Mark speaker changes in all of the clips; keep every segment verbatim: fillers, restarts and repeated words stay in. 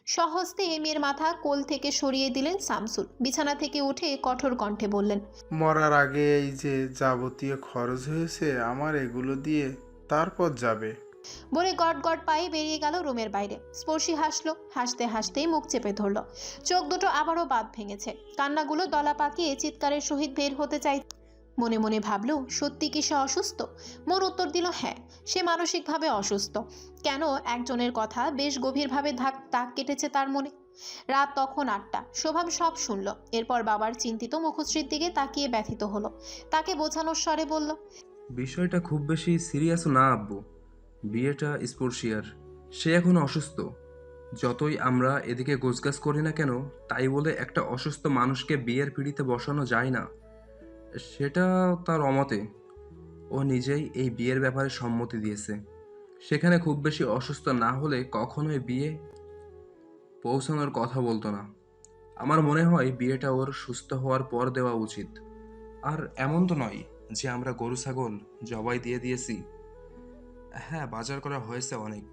Speaker 1: সহস্তে মেয়ের মাথা কোল থেকে সরিয়ে দিলেন শামসুল। বিছানা থেকে উঠে কঠোর কণ্ঠে বললেন,
Speaker 2: মরার আগে এই যে যাবতীয় খরচ হয়েছে আমার এগুলো দিয়ে তারপর যাবে।
Speaker 1: বলে গট গট পায়ে বেরিয়ে গেল রুমের বাইরে। স্পর্শী হাসলো, হাসতে হাসতেই মুখ চেপে ধরল। চোখ দুটো আবারও বাঁধ ভেঙেছে, কান্নাগুলো দলা পাকিয়ে চিৎকারের সহিত বের হতে চাই। মনে মনে ভাবল, সত্যি কি সে অসুস্থ? মন উত্তর দিল হ্যাঁ, সে মানসিকভাবে অসুস্থ। কেন? একজনের কথা বেশ গভীরভাবে ধাক দাগ কেটেছে তার মনে। রাত তখন আটটা। শোভাম সব শুনল। এরপর বাবার চিন্তিত মুখশ্রীর দিকে তাকিয়ে ব্যথিত হলো। তাকে বোঝানোর স্বরে বলল,
Speaker 3: বিষয়টা খুব বেশি সিরিয়াসও না আব্বু। বিয়েটা স্পর্শিয়ার, সে এখন অসুস্থ। যতই আমরা এদিকে গোছগাছ করি না কেন, তাই বলে একটা অসুস্থ মানুষকে বিয়ের পিঁড়িতে বসানো যায় না। সেটা তার অমতে। ও নিজেই এই বিয়ের ব্যাপারে সম্মতি দিয়েছে। সেখানে খুব বেশি অসুস্থ না হলে কখনোই বিয়ে পৌঁছানোর কথা বলতো না। আমার মনে হয় বিয়েটা ওর সুস্থ হওয়ার পর দেওয়া উচিত। আর এমন তো নয় যে আমরা গরু ছাগল জবাই দিয়ে দিয়েছি। হ্যাঁ, বাজার করা হয়েছে অনেক।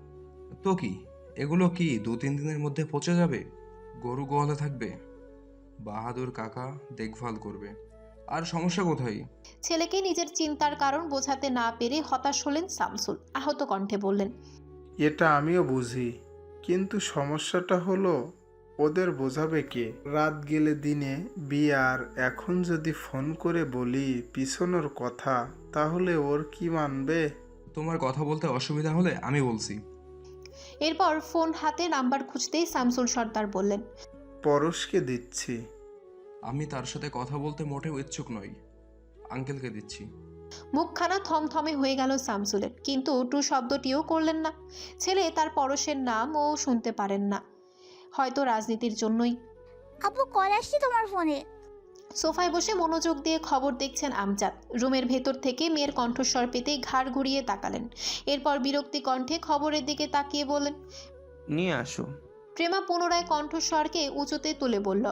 Speaker 3: তো কি এগুলো কি দু তিন দিনের মধ্যে পচে যাবে? গরু গোয়ালে থাকবে, বাহাদুর কাকা দেখভাল করবে। আর সমস্যা কোথায়?
Speaker 1: ছেলেকে নিজের চিন্তার কারণ বোঝাতে না পেরে হতাশ হলেন শামসুল। আহত কণ্ঠে বললেন,
Speaker 2: এটা আমিও বুঝি, কিন্তু সমস্যাটা হলো ওদের বোঝাবে কে? রাত গেলে দিনে বিয়ে, আর এখন যদি ফোন করে বলি পিছনের কথা, তাহলে ওর কি মানবে?
Speaker 3: তোমার কথা বলতে অসুবিধা হলে আমি বলছি।
Speaker 1: এরপর ফোন হাতে নাম্বার খুঁজতেই শামসুল সর্দার বললেন,
Speaker 2: পরশকে দিচ্ছি।
Speaker 3: আমি তার সাথে কথা বলতে মোটেও ইচ্ছুক নই। আঙ্কেলকে দিচ্ছি।
Speaker 1: মুখখানা থমথমে হয়ে গেল শামসুলের, কিন্তু টু শব্দটিও করলেন না। ছেলে তার পরশের নাম ও শুনতে পারেন না, হয়তো রাজনীতির জন্যই।
Speaker 4: আপু কল আসছে তোমার ফোনে।
Speaker 1: সোফায় বসে মনোযোগ দিয়ে খবর দেখছেন আমজাদ। রুমের ভেতর থেকে মেয়ের কণ্ঠস্বর পেতেই ঘাড় ঘুরিয়ে তাকালেন। এরপর বিরক্তি কণ্ঠে খবরের দিকে তাকিয়ে বললেন,
Speaker 5: নিয়ে আসো।
Speaker 1: প্রেমা পুনরায় কণ্ঠস্বরকে উঁচুতে তুলে বলল,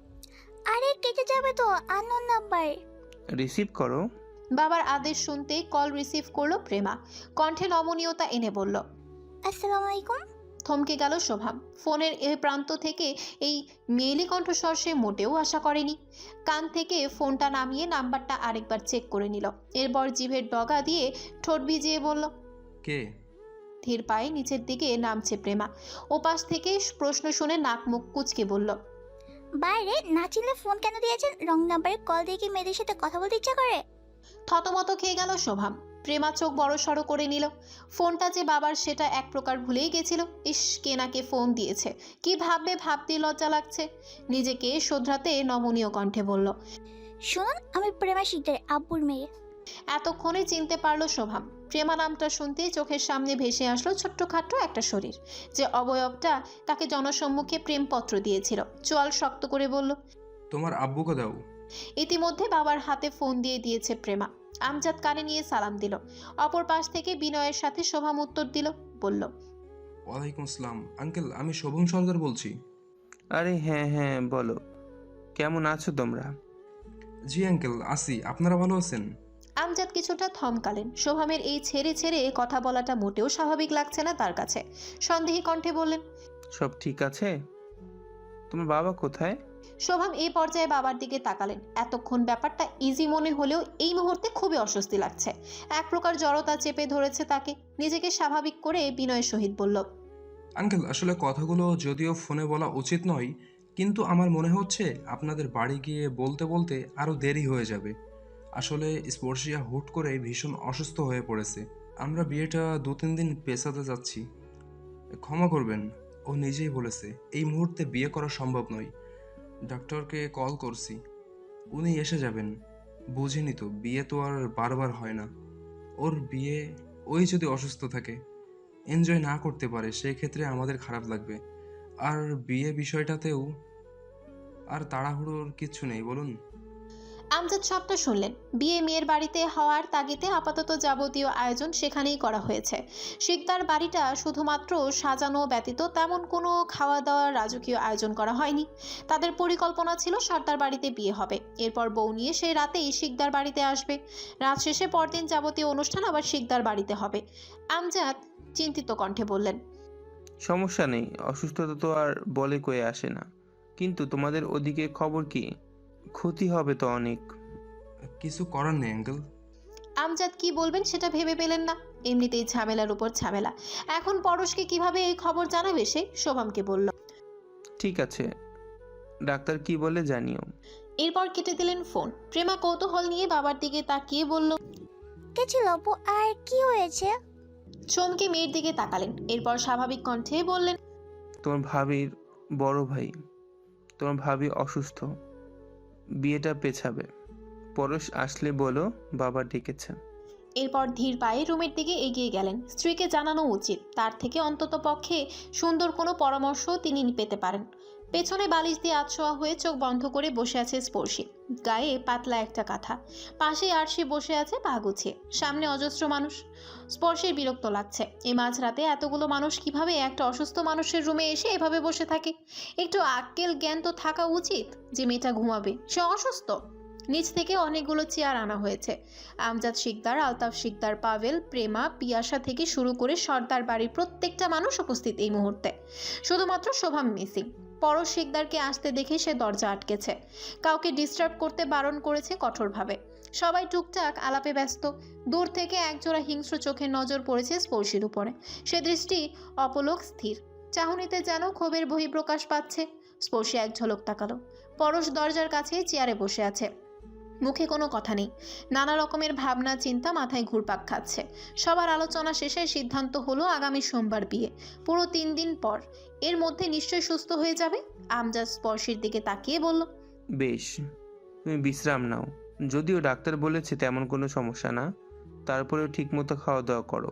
Speaker 4: আরে কেটে যাবে তো, আননোন নাম্বার।
Speaker 5: রিসিভ করো।
Speaker 1: বাবার আদেশ শুনতেই কল রিসিভ করলো প্রেমা। কণ্ঠে নমনীয়তা এনে বলল,
Speaker 4: আসসালামু আলাইকুম।
Speaker 1: থমকে গেল শোভাম। ফোনের এ প্রান্ত থেকে এই মেয়েলি কণ্ঠস্বর সে মোটেও আশা করেনি। কান থেকে ফোনটা নামিয়ে নাম্বারটা আরেকবার চেক করে নিল। এরপর জিভের ডগা দিয়ে ঠোঁট ভিজিয়ে বলল,
Speaker 3: কে?
Speaker 1: ধীর পায়ে নিচের দিকে নামছে প্রেমা। ওপাশ থেকে প্রশ্ন শুনে নাক মুখ কুচকে বলল,
Speaker 4: বাইরে না চিনলে ফোন কেন দিয়েছেন? রং নাম্বারে কল দিয়ে কি মেয়েদের সাথে কথা বলতে ইচ্ছা করে?
Speaker 1: থতমত খেয়ে গেল শোভাম। প্রেমা চোখ বড় সড়ো করে নিল। ফোনটা যে বাবার সেটা এক প্রকার ভুলেই গেছিল। ইস, কে নাকে ফোন দিয়েছে, কি ভাববে ভাবতেই লজ্জা লাগছে। নিজেকে শোধরাতে নমনীয় কণ্ঠে বলল,
Speaker 4: শুনুন, আমি প্রেমা শিকদার, আব্বুর মেয়ে।
Speaker 1: এতক্ষণে চিনতে পারলো শোভাম। প্রেমা নামটা শুনতেই চোখের সামনে ভেসে আসলো ছোট্টখাট্ট একটা শরীর, যে অবয়বটা তাকে জনসম্মুখে প্রেমপত্র দিয়েছিল। চোয়াল শক্ত করে বলল,
Speaker 3: তোমার আব্বুকে দাও।
Speaker 1: ইতিমধ্যে বাবার হাতে ফোন দিয়ে দিয়েছে প্রেমা। আমজাদ কানে নিয়ে সালাম দিল। অপর পাশ থেকে বিনয়ের সাথে শোভাম উত্তর দিল, বলল,
Speaker 3: ওয়ালাইকুম আসসালাম আঙ্কেল, আমি শোভম সর্দার বলছি।
Speaker 5: আরে হ্যাঁ হ্যাঁ, বলো কেমন আছো তোমরা?
Speaker 3: জি আঙ্কেল, আসি। আপনারা ভালো আছেন?
Speaker 1: আমজাদ কিছুটা থমকালেন। শোভামের এই ছেড়ে ছেড়ে কথা বলাটা মোটেও স্বাভাবিক লাগছে না তার কাছে। সন্দেহী কণ্ঠে বললেন,
Speaker 5: সব ঠিক আছে? তোমার বাবা কোথায়?
Speaker 1: শোভাম এই পর্যায়ে বাবার দিকে তাকালেন। এতক্ষণ ব্যাপারটা ইজি মনে হলেও এই মুহূর্তে খুবই অস্বস্তি লাগছে। এক প্রকার জড়তা চেপে ধরেছে তাকে। নিজেকে স্বাভাবিক করে বিনয়ের সহিত বলল,
Speaker 3: আঙ্কেল, আসলে কথাগুলো যদিও ফোনে বলা উচিত নয়, কিন্তু আমার মনে হচ্ছে আপনাদের বাড়ি গিয়ে বলতে বলতে আরও দেরি হয়ে যাবে। আসলে স্পর্শিয়া হুট করে ভীষণ অসুস্থ হয়ে পড়েছে। আমরা বিয়েটা দু তিন দিন পেছাতে যাচ্ছি। ক্ষমা করবেন, ও নিজেই বলেছে এই মুহূর্তে বিয়ে করা সম্ভব নয়। ডক্টরকে কল করছি, উনি এসে যাবেন। বুঝিনি তো, বিয়ে তো আর বারবার হয় না। ওর বিয়ে, ওই যদি অসুস্থ থাকে, এনজয় না করতে পারে, সেই ক্ষেত্রে আমাদের খারাপ লাগবে। আর বিয়ে বিষয়টাতেও আর তাড়াহুড়োর কিচ্ছু নেই, বলুন।
Speaker 1: আমজাদ সবটা শুনলেন। বিয়ে মেয়ের বাড়িতে হওয়ার তাগিদে আপাতত যাবতীয় আয়োজন সেখানেই করা হয়েছে। শিকদার বাড়িটা শুধুমাত্র সাজানো ব্যতীত তেমন কোনো খাওয়া দাওয়ার রাজকীয় আয়োজন করা হয়নি। তাদের পরিকল্পনা ছিল সর্দার বাড়িতে বিয়ে হবে, এরপর বউ নিয়ে সেই রাতেই শিকদার বাড়িতে আসবে। রাত শেষে পরদিন যাবতীয় অনুষ্ঠান আবার শিকদার বাড়িতে হবে। আমজাদ চিন্তিত কণ্ঠে বললেন,
Speaker 5: সমস্যা নেই, অসুস্থতা তো আর বলে কয়ে আসে না। কিন্তু তোমাদের ওদিকে খবর কি? ক্ষতি হবে তো অনেক।
Speaker 3: কিছু করার নেই আঙ্কেল।
Speaker 1: আমজাদ কি বলবেন সেটা ভেবে পেলেন না। এমনিতেই ঝামেলার উপর ঝামেলা, এখন পরশকে কিভাবে এই খবর জানাবে সে? শোভামকে বলল।
Speaker 5: ঠিক আছে, ডাক্তার কি বলে জানিও।
Speaker 1: এরপর কেটে দিলেন ফোন। প্রেমা কৌতূহল নিয়ে বাবার দিকে তাকিয়ে বলল,
Speaker 4: কে ছিল আপু, আর কি হয়েছে?
Speaker 1: চমকে মেয়ের দিকে তাকালেন, এরপর স্বাভাবিক কণ্ঠে বললেন,
Speaker 5: তোমার ভাবির বড় ভাই, তোমার ভাবি অসুস্থ, বিয়েটা পেছাবে। পরশ আসলে বলো বাবা ডেকেছে।
Speaker 1: এরপর ধীর পায়ে রুমের দিকে এগিয়ে গেলেন। স্ত্রীকে জানানো উচিত, তার থেকে অন্তত পক্ষে সুন্দর কোনো পরামর্শ তিনি পেতে পারেন। পেছনে বালিশ দিয়ে আতশোয়া হয়ে চোখ বন্ধ করে বসে আছে স্পর্শী, গায়ে পাতলা একটা কাঁথা, পাশে আরশি বসে আছে পা গুছিয়ে, সামনে অজস্র মানুষ। স্পর্শের বিরক্ত লাগছে, এই মাঝরাতে এতগুলো মানুষ কিভাবে একটা অসুস্থ মানুষের রুমে এসে এভাবে বসে থাকে? একটু আক্কেল জ্ঞান তো থাকা উচিত যে মেয়েটা ঘুমাবে, সে অসুস্থ। নিচ থেকে অনেকগুলো চেয়ার আনা হয়েছে। আমজাদ শিকদার, আলতাফ শিকদার, পাভেল, প্রেমা, পিয়াসা থেকে শুরু করে সর্দার বাড়ির প্রত্যেকটা মানুষ উপস্থিত এই মুহূর্তে। শুধুমাত্র শোভাম মিসিং। পরশ শিকদারকে আসতে দেখে সে দরজা আটকেছে, কাউকে ডিস্টার্ব করতে বারণ করেছে কঠোরভাবে। সবাই টুকটাক আলাপে ব্যস্ত। দূর থেকে একজোড়া হিংস্র চোখের নজর পড়েছে স্পর্শীর উপরে। সে দৃষ্টি অপলক স্থির, চাহনিতে যেন ক্ষোভের বহিঃপ্রকাশ পাচ্ছে। স্পর্শী এক ঝলক তাকালো। পরশ দরজার কাছে চেয়ারে বসে আছে, মুখে কোনো কথা নেই। নানা রকমের ভাবনা চিন্তা মাথায় ঘুরপাক খাচ্ছে। সবার আলোচনা শেষে সিদ্ধান্ত হলো আগামী সোমবার বিয়ে, পুরো তিন দিন পর। এর মধ্যে নিশ্চয়ই সুস্থ হয়ে যাবে। আমজাদ স্পর্শীর দিকে তাকিয়ে বলল,
Speaker 5: বেশ, তুমি বিশ্রাম নাও। যদিও ডাক্তার বলেছে তেমন কোনো সমস্যা না, তারপরেও ঠিকমতো খাওয়া দাওয়া করো,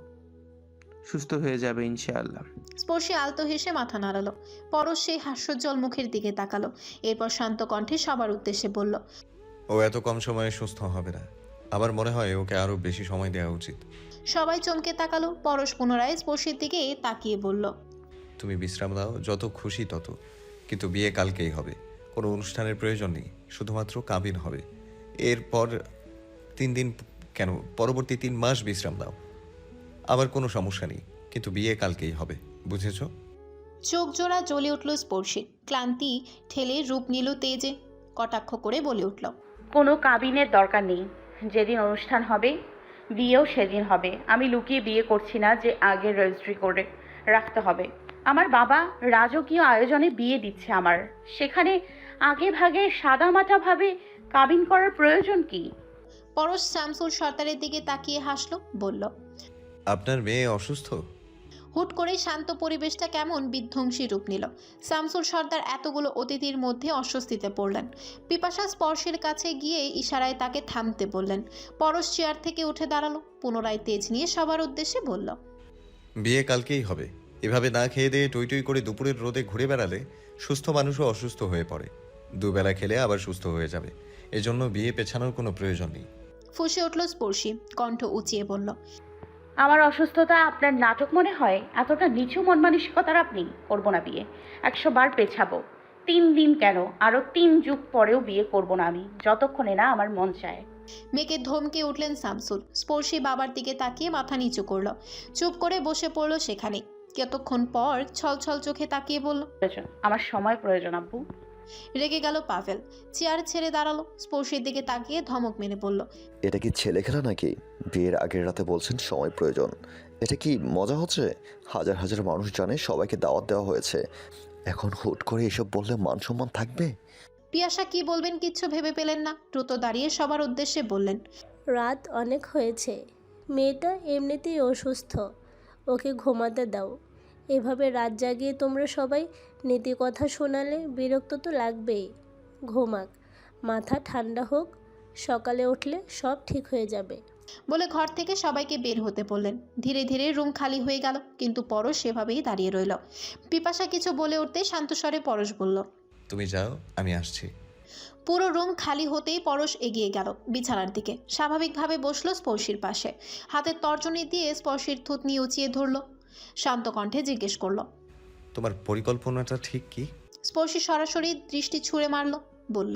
Speaker 5: সুস্থ হয়ে যাবে ইনশাআল্লাহ।
Speaker 1: স্পর্শী আলতো হেসে মাথা নাড়ালো। পরশ সেই হাস্যোজ্জ্বল মুখের দিকে তাকালো, এরপর শান্ত কণ্ঠে সবার উদ্দেশ্যে বলল,
Speaker 6: ও এত কম সময়ে সুস্থ হবে না। আমার মনে হয় ওকে আরো বেশি সময় দেওয়া উচিত।
Speaker 1: সবাই চমকে তাকালো। পরশ পুনরায় স্পর্শীর দিকে তাকিয়ে বলল,
Speaker 6: তুমি বিশ্রাম দাও, যত খুশি তত, কিন্তু বিয়ে কালকেই হবে। কোনো অনুষ্ঠানের প্রয়োজন নেই, শুধুমাত্র কাবিন হবে। এরপর তিন দিন কেন, পরবর্তী তিন মাস বিশ্রাম দাও। আবার কোনো সমস্যা নেই, কিন্তু বিয়ে কালকেই হবে, বুঝেছো?
Speaker 1: চোখ জোড়া জ্বলে উঠল স্পর্শী, ক্লান্তি ঠেলে রূপ নিল তেজে। কটাক্ষ করে বলে উঠল,
Speaker 7: কোনো কাবিনের দরকার নেই। যেদিন অনুষ্ঠান হবে বিয়েও সেদিন হবে। আমি লুকিয়ে বিয়ে করছি না যে আগে রেজিস্ট্রি করে রাখতে হবে। আমার বাবা রাজকীয় আয়োজনে বিয়ে দিচ্ছে আমার, সেখানে আগে ভাগে সাদামাটাভাবে কাবিন করার প্রয়োজন কি?
Speaker 1: পরশ শামসুল সর্দারের দিকে তাকিয়ে হাসলো, বলল,
Speaker 6: আপনার মেয়ে অসুস্থ?
Speaker 1: হুট করে শান্ত পরিবেশটা কেমন বিধ্বংসী রূপ নিল। শামসুল সর্দার এতগুলো অতিথির মধ্যে অস্বস্তিতে পড়লেন। পিপাসা স্পর্শের কাছে গিয়ে ইশারায় তাকে থামতে বললেন। পরশ চেয়ার থেকে উঠে দাঁড়ালো, পুনরায় তেজ নিয়ে সবার উদ্দেশ্যে বলল,
Speaker 6: বিয়ে কালকেই হবে। এভাবে না খেয়ে দিয়ে টই টই করে দুপুরের রোদে ঘুরে বেড়ালে সুস্থ মানুষও অসুস্থ হয়ে পড়ে। দুবেলা খেলে আবার সুস্থ হয়ে যাবে, এজন্য বিয়ে পেছানোর কোনো প্রয়োজন নেই।
Speaker 1: ফুঁসে উঠল স্পর্শী, কণ্ঠ উঁচিয়ে বলল,
Speaker 7: আমার অসুস্থতা আপনার নাটক মনে হয়? এতটা নিচু মন মানসিকতার আপনি? করবো না বিয়ে, একশো বার পেছাবো। তিন দিন কেন, আরও তিন যুগ পরেও বিয়ে করবো না আমি, যতক্ষণে না আমার মন চায়।
Speaker 1: মেয়েকে ধমকে উঠলেন শামসুল। স্পর্শী বাবার দিকে তাকিয়ে মাথা নিচু করল, চুপ করে বসে পড়ল সেখানে। কতক্ষণ পর ছলছল চোখে তাকিয়ে বলল,
Speaker 7: প্রয়োজন, আমার সময় প্রয়োজন আব্বু।
Speaker 1: রেগে গেল পাভেল, চেয়ার ছেড়ে দাঁড়ালো। স্পর্শীর দিকে তাকিয়ে ধমক মেরে বলল,
Speaker 8: এটা কি ছেলে খেলা নাকি? বিয়ের আগের রাতে বলছেন সময় প্রয়োজন, এটা কি মজা হচ্ছে? হাজার হাজার মানুষ জানে সবাইকে দাওয়াত দেওয়া হয়েছে, এখন হুট করে এসব বললে মান সম্মান থাকবে?
Speaker 1: পিয়াসা কি বলবেন কিচ্ছু ভেবে পেলেন না, দ্রুত দাঁড়িয়ে সবার উদ্দেশ্যে বললেন,
Speaker 9: রাত অনেক হয়েছে, মেয়েটা এমনিতেই অসুস্থ, ওকে ঘুমাতে দাও। এভাবে রাত জাগিয়ে তোমরা সবাই নীতি কথা শোনালে বিরক্ত তো লাগবেই। ঘুমাক, মাথা ঠান্ডা হোক, সকালে উঠলে সব ঠিক হয়ে যাবে।
Speaker 1: বলে ঘর থেকে সবাইকে বের হতে বললেন। ধীরে ধীরে রুম খালি হয়ে গেল, কিন্তু পরশ সেভাবেই দাঁড়িয়ে রইল। পিপাসা কিছু বলে উঠতে শান্তস্বরে পরশ বলল,
Speaker 6: তুমি যাও, আমি আসছি।
Speaker 1: পুরো রুম খালি হতেই পরশ এগিয়ে গেল বিছানার দিকে, স্বাভাবিকভাবে বসলো স্পর্শীর পাশে। হাতের তর্জনী দিয়ে স্পর্শীর থুতনি উঁচিয়ে ধরল, শান্ত কণ্ঠে জিজ্ঞেস করলো,
Speaker 6: তোমার পরিকল্পনাটা ঠিক কি?
Speaker 1: স্পর্শী সরাসরি দৃষ্টি ছুঁড়ে মারল, বলল,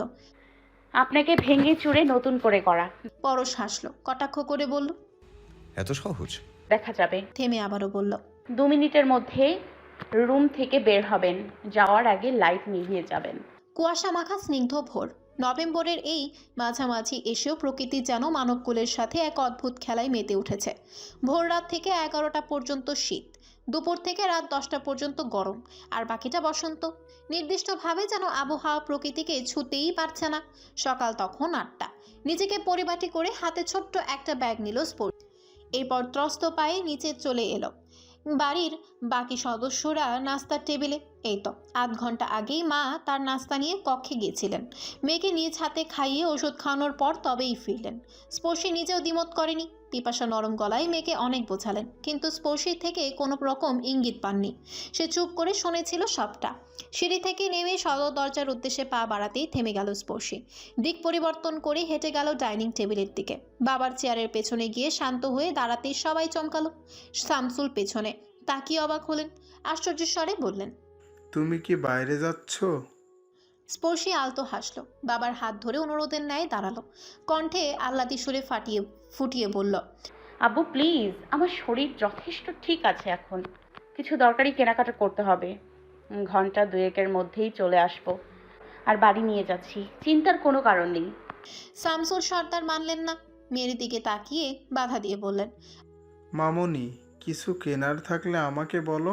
Speaker 7: আপনাকে ভেঙে চুরে নতুন করে করা।
Speaker 1: পরশ হাসলো, কটাক্ষ করে বলল,
Speaker 6: এত সহজ?
Speaker 7: দেখা যাবে।
Speaker 1: থেমে আবারও বলল,
Speaker 7: দু মিনিটের মধ্যে রুম থেকে বের হবেন, যাওয়ার আগে লাইট নিভিয়ে যাবেন।
Speaker 1: কুয়াশা মাখা স্নিগ্ধ ভোর। নভেম্বরের এই মাঝামাঝি এসেও প্রকৃতি যেন মানবকুলের সাথে এক অদ্ভুত খেলায় মেতে উঠেছে। ভোর রাত থেকে এগারোটা পর্যন্ত শীত, দুপুর থেকে রাত দশটা পর্যন্ত গরম, আর বাকিটা বসন্ত। নির্দিষ্টভাবে যেন আবহাওয়া প্রকৃতিকে ছুতেই পারছে না। সকাল তখন আটটা। নিজেকে পরিপাটি করে হাতে ছোট্ট একটা ব্যাগ নিল স্পোর্টস। এরপর ত্রস্ত পায়ে নিচে চলে এলো। বাড়ির বাকি সদস্যরা নাস্তার টেবিলে। এই তো আধ ঘন্টা আগেই মা তার নাস্তা নিয়ে কক্ষে গিয়েছিলেন। মেয়েকে নিজ হাতে খাইয়ে ওষুধ খাওয়ানোর পর তবেই ফিরলেন। স্পর্শী নিজেও দ্বিমত করেনি। পিপাসা নরম গলায় মেয়েকে অনেক বোঝালেন, কিন্তু স্পর্শী থেকে কোনো রকম ইঙ্গিত পাননি। সে চুপ করে শুনেছিল সবটা। সিঁড়ি থেকে নেমে সদর দরজার উদ্দেশ্যে পা বাড়াতেই থেমে গেল স্পর্শী। দিক পরিবর্তন করে হেঁটে গেল ডাইনিং টেবিলের দিকে। বাবার চেয়ারের পেছনে গিয়ে শান্ত হয়ে দাঁড়াতেই সবাই চমকালো। শামসুল পেছনে তাকিয়ে অবাক হলেন, আশ্চর্যের স্বরে বললেন,
Speaker 2: তুমি কি বাইরে যাচ্ছ?
Speaker 1: স্পর্শী আলতো হাসলো। বাবার হাত ধরে অনুরোধের ন্যায় দাঁড়ালো। কণ্ঠে আহ্লাদি সুরে ফাটিয়ে ফুটিয়ে বলল,
Speaker 7: আব্বু প্লিজ, আমার শরীর যথেষ্ট ঠিক আছে এখন। কিছু দরকারি কেনাকাটা করতে হবে। উম, ঘন্টা দুয়েকের মধ্যেই চলে আসবো। আর বাড়ি নিয়ে যাচ্ছি, চিন্তার কোনো কারণ নেই।
Speaker 1: শামসুল সর্দার মানলেন না। মেয়ের দিকে তাকিয়ে বাধা দিয়ে বললেন,
Speaker 2: মামনি, কিছু কেনার থাকলে আমাকে বলো,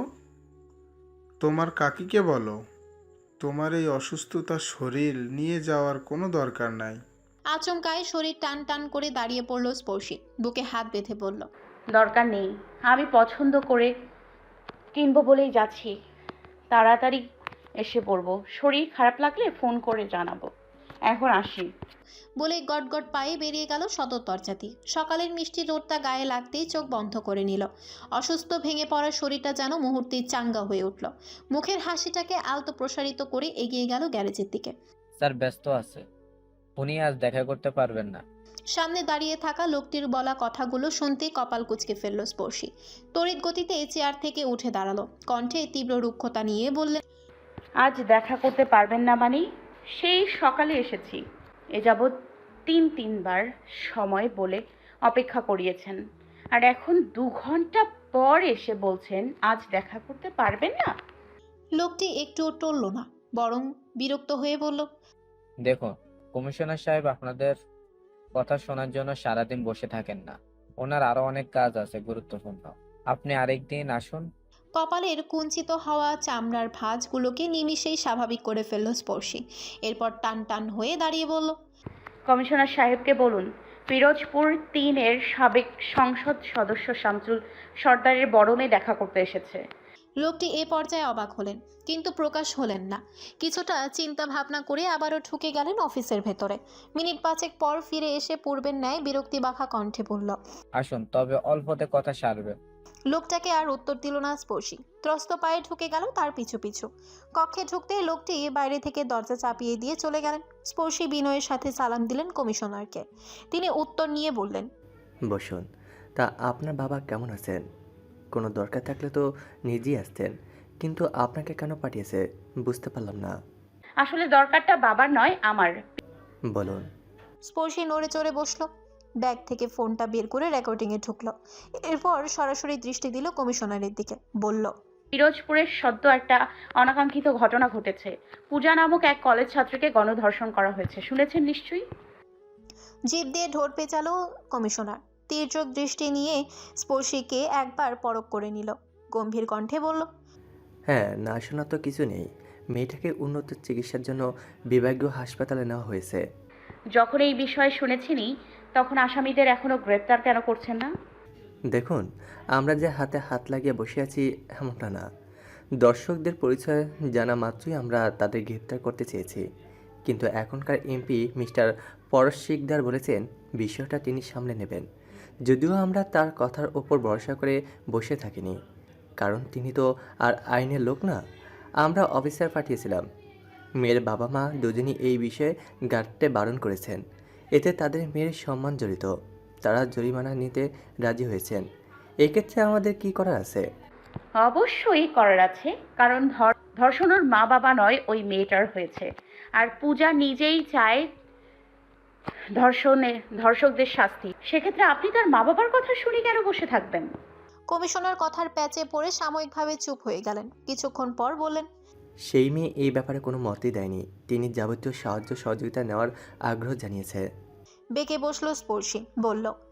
Speaker 2: তোমার কাকিকে বলো। তোমার এই অসুস্থতার শরীর নিয়ে যাওয়ার কোনো দরকার নাই।
Speaker 1: আচমকায় শরীর টান টান করে দাঁড়িয়ে পড়ল স্পর্শী। বুকে হাত বেঁধে বলল,
Speaker 7: দরকার নেই, আমি পছন্দ করে কিনবো বলেই যাচ্ছি। তাড়াতাড়ি এসে পড়বো। শরীর খারাপ লাগলে ফোন করে জানাবো। এখন আসি।
Speaker 1: বলে গটগট পায়ে বেরিয়ে গেল সদর দরজা দিয়ে। সকালের মিষ্টি রোদটা গায়ে লাগতেই চোখ বন্ধ করে নিল। অসুস্থ ভেঙে পড়া শরীরটা যেন মুহূর্তেই চাঙ্গা হয়ে উঠল। মুখের হাসিটাকে আলতো প্রসারিত করে এগিয়ে গেল গ্যারেজের দিকে।
Speaker 10: স্যার ব্যস্ত আছে, উনি আজ দেখা করতে পারবেন না।
Speaker 1: সামনে দাঁড়িয়ে থাকা লোকটির বলা কথাগুলো শুনতেই কপাল কুঁচকে ফেলল স্পর্শী। তড়িৎ গতিতে চেয়ার থেকে উঠে দাঁড়ালো। কণ্ঠে তীব্র রুক্ষতা নিয়ে বললেন,
Speaker 7: আজ দেখা করতে পারবেন না মানে? সেই সকালে এসেছি। এ যাবৎ তিন তিনবার সময় বলে অপেক্ষা করিয়েছেন, আর এখন দু ঘন্টা পর এসে বলছেন আজ দেখা করতে পারবেন না।
Speaker 1: লোকটি একটুও টলল না, বরং বিরক্ত হয়ে বলল,
Speaker 10: দেখুন কমিশনার সাহেব আপনাদের কথা শোনার জন্য সারাদিন বসে থাকেন না, ওনার আরো অনেক কাজ আছে গুরুত্বপূর্ণ। আপনি আরেকদিন আসুন।
Speaker 1: কপালের কুঞ্চিত হওয়া চামড়ার ভাঁজগুলোকে নিমিষেই স্বাভাবিক করে ফেলল স্পর্শী। এরপর টান টান হয়ে দাঁড়িয়ে বলল,
Speaker 7: কমিশনার সাহেবকে বলুন পিরোজপুর তিনের সাবেক সংসদ সদস্য শামসুল সর্দারের বড় মেয়ে দেখা করতে এসেছে।
Speaker 1: লোকটি এ পর্যায়ে অবাক হলেন, কিন্তু প্রকাশ হলেন না। কিছুটা চিন্তা ভাবনা করে আবারও ঢুকে গেলেন অফিসের ভেতরে। মিনিট পাঁচেক পর ফিরে এসে পূর্বের ন্যায় বিরক্তি বাঁকা কণ্ঠে বলল,
Speaker 10: আসুন, তবে অল্পতে কথা সারবে।
Speaker 1: লোকটাকে আর উত্তর দিল না স্পর্শী। ত্রস্ত পায়ে ঢুকে গেল তার পিছু পিছু। কক্ষে ঢুকতে লোকটি বাইরে থেকে দরজা চাপিয়ে দিয়ে চলে গেলেন। স্পর্শী বিনয়ের সাথে সালাম দিলেন কমিশনারকে। তিনি উত্তর নিয়ে বললেন,
Speaker 11: বসুন। তা আপনার বাবা কেমন আছেন? কোনো দরকার থাকলে তো নিজেই আসতেন, কিন্তু আপনাকে কেন পাঠিয়েছে বুঝতে পারলাম না।
Speaker 7: আসলে দরকারটা বাবার নয়, আমার।
Speaker 11: বলুন।
Speaker 1: স্পর্শী নড়ে চড়ে বসলো। ব্যাগ থেকে ফোনটা বের করে রেকর্ডিংয়ে ঢুকলো। এরপর সরাসরি দৃষ্টি দিল কমিশনারের দিকে। বলল,
Speaker 7: পিরোজপুরের সদ্য একটা অনাকাঙ্ক্ষিত ঘটনা ঘটেছে। পূজা নামক এক কলেজ ছাত্রীকে গণধর্ষণ করা হয়েছে, শুনেছেন নিশ্চয়ই?
Speaker 1: জিভ দিয়ে ঢোর পেঁচালো কমিশনার। তীর্যক দৃষ্টি নিয়ে স্পর্শীকে একবার পরখ করে নিল। গম্ভীর কণ্ঠে বলল,
Speaker 11: হ্যাঁ, না শোনা তো কিছু নেই। মেয়েটাকে উন্নত চিকিৎসার জন্য বিভাগীয় হাসপাতালে নেওয়া হয়েছে।
Speaker 7: যখন এই বিষয়ে শুনেছিনি, তখন আসামিদের এখনো গ্রেপ্তার কেন করছেন না?
Speaker 11: দেখুন, আমরা যে হাতে হাত লাগিয়ে বসে আছি এমনটা না। দর্শকদের পরিচয় জানা মাত্রই আমরা তাদের গ্রেপ্তার করতে চেয়েছি, কিন্তু এখনকার এমপি মিস্টার পরশ শিকদার বলেছেন বিষয়টা তিনি সামলে নেবেন। যদিও আমরা তার কথার ওপর ভরসা করে বসে থাকিনি, কারণ তিনি তো আর আইনের লোক না। আমরা অফিসার পাঠিয়েছিলাম। মেয়ের বাবা মা দুজনই এই বিষয়ে গাঁটতে বারণ করেছেন। এতে তাদের মেয়ের সম্মান জড়িত। তারা জরিমানা নিতে রাজি হয়েছেন। এক্ষেত্রে আমাদের কি করার আছে?
Speaker 7: অবশ্যই করার আছে, কারণ ধর্ষণের মা বাবা নয়, ওই মেয়েটার হয়েছে। আর পূজা নিজেই চায় ধর্ষণে ধর্ষকদের শাস্তি। সেক্ষেত্রে আপনি তার মা বাবার কথা শুনে কেন বসে থাকবেন?
Speaker 1: কমিশনার কথার প্যাচে পড়ে সাময়িকভাবে চুপ হয়ে গেলেন। কিছুক্ষণ পর বললেন,
Speaker 11: সেই মেয়ে এই ব্যাপারে কোনো মতই দেয়নি। তিনি যাবতীয় সাহায্য সহযোগিতা নেওয়ার আগ্রহ জানিয়েছে।
Speaker 1: বেঁকে বসলো স্পর্শী, বলল,